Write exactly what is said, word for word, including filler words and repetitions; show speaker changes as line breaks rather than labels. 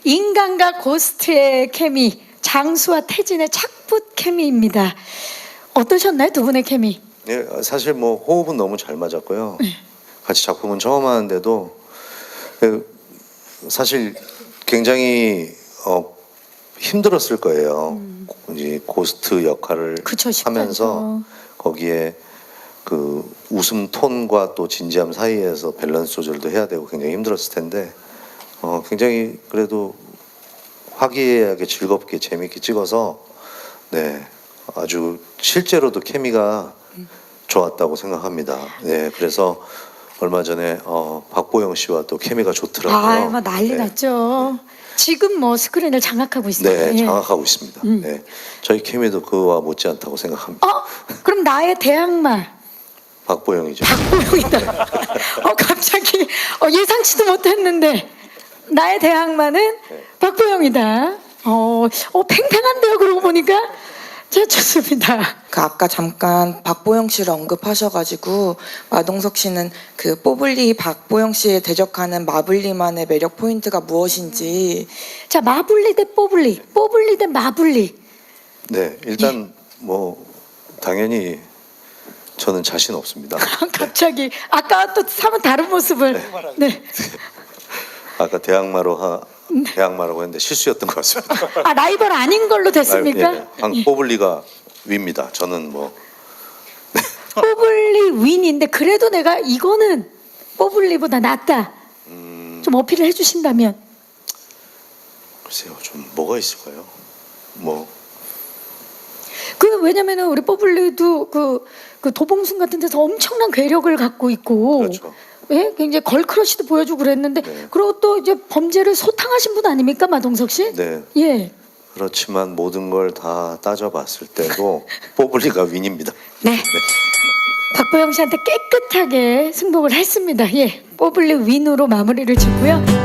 인간과 고스트의 케미, 장수와 태진의 착붙 케미입니다. 어떠셨나요, 두 분의 케미?
예, 사실 뭐 호흡은 너무 잘 맞았고요. 같이 작품은 처음 하는데도 그 사실 굉장히 어, 힘들었을 거예요.
음.
이제 고스트 역할을
그쵸,
하면서 거기에 그 웃음 톤과 또 진지함 사이에서 밸런스 조절도 해야 되고 굉장히 힘들었을 텐데 어, 굉장히 그래도 화기애애하게 즐겁게 재밌게 찍어서 네 아주 실제로도 케미가 좋았다고 생각합니다. 네, 그래서 얼마 전에 어, 박보영 씨와 또 케미가 좋더라고요.
아, 막 난리
네.
났죠. 지금 뭐 스크린을 장악하고 있어요.
네,
예.
장악하고 있습니다.
음.
네, 저희 케미도 그와 못지않다고 생각합니다.
어? 그럼 나의 대항마
박보영이죠.
박보영이다. 어, 갑자기 어, 예상치도 못했는데 나의 대항마는
네.
박보영이다. 어, 어 팽팽한데요. 그러고 보니까 자, 좋습니다.
그 아까 잠깐 박보영 씨를 언급하셔가지고 마동석 씨는 그 뽀블리 박보영 씨에 대적하는 마블리만의 매력 포인트가 무엇인지.
자, 마블리 대 뽀블리, 뽀블리 대 마블리.
네, 일단 뭐 당연히 저는 자신 없습니다.
갑자기 아까 또 사뭇 다른 모습을. 네.
아까 대항마로 하 대항마라고 했는데 실수였던 것 같습니다.
아, 라이벌 아닌 걸로 됐습니까?
아, 예, 방 뽀블리가 위입니다. 저는 뭐
뽀블리 윈인데 그래도 내가 이거는 뽀블리보다 낫다.
음,
좀 어필을 해주신다면.
글쎄요, 좀 뭐가 있을까요? 뭐
그 왜냐면은 우리 뽀블리도 그, 그 도봉순 같은 데서 엄청난 괴력을 갖고 있고,
그렇죠.
예, 굉장히 걸크러쉬도 보여주고 그랬는데,
네.
그리고 또 이제 범죄를 소탕하신 분 아닙니까, 마동석 씨?
네.
예.
그렇지만 모든 걸 다 따져봤을 때도 뽀블리가 윈입니다.
네. 박보영 씨한테 깨끗하게 승복을 했습니다. 예, 뽀블리 윈으로 마무리를 짓고요.